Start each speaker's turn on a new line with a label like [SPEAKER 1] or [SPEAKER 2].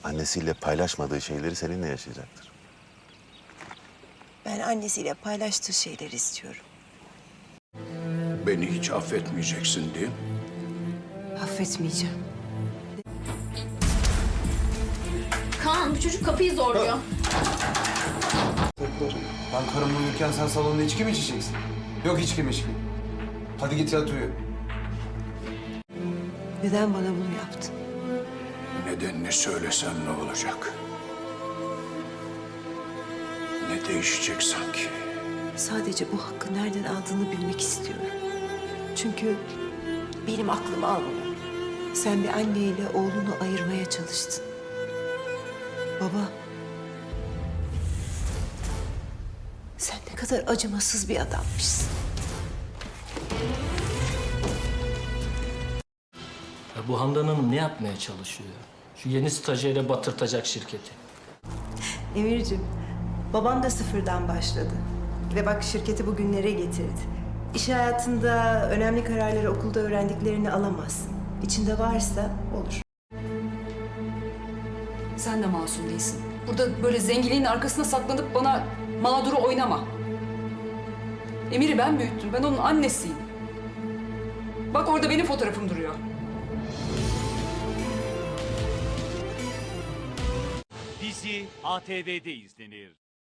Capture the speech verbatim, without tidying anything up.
[SPEAKER 1] annesiyle paylaşmadığı şeyleri seninle yaşayacaktır.
[SPEAKER 2] Ben annesiyle paylaştığı şeyleri istiyorum.
[SPEAKER 3] Beni hiç affetmeyeceksin değil mi?
[SPEAKER 2] Affetmeyeceğim.
[SPEAKER 4] Kaan, bu çocuk kapıyı zorluyor.
[SPEAKER 5] Ben karım uyurken sen salonda içki mi içeceksin? Yok içki mi içki. Hadi git yat uyu.
[SPEAKER 2] Neden bana bunu yaptın?
[SPEAKER 3] Nedenini söylesem ne olacak? Ne değişecek sanki?
[SPEAKER 2] Sadece bu hakkı nereden aldığını bilmek istiyorum. Çünkü benim aklım almıyor. Sen bir anneyle oğlunu ayırmaya çalıştın. Baba, sen ne kadar acımasız bir adammışsın.
[SPEAKER 6] Ya bu Handan Hanım ne yapmaya çalışıyor? Şu yeni stajyere batırtacak şirketi.
[SPEAKER 7] Emir'cim, baban da sıfırdan başladı. Ve bak şirketi bugünlere getirdi. İş hayatında önemli kararları okulda öğrendiklerini alamazsın. İçinde varsa olur.
[SPEAKER 8] Sen de masum değilsin. Burada böyle zenginliğin arkasına saklanıp bana mağduru oynama. Emir'i ben büyüttüm. Ben onun annesiyim. Bak orada benim fotoğrafım duruyor.
[SPEAKER 9] Dizi A T V'de izlenir.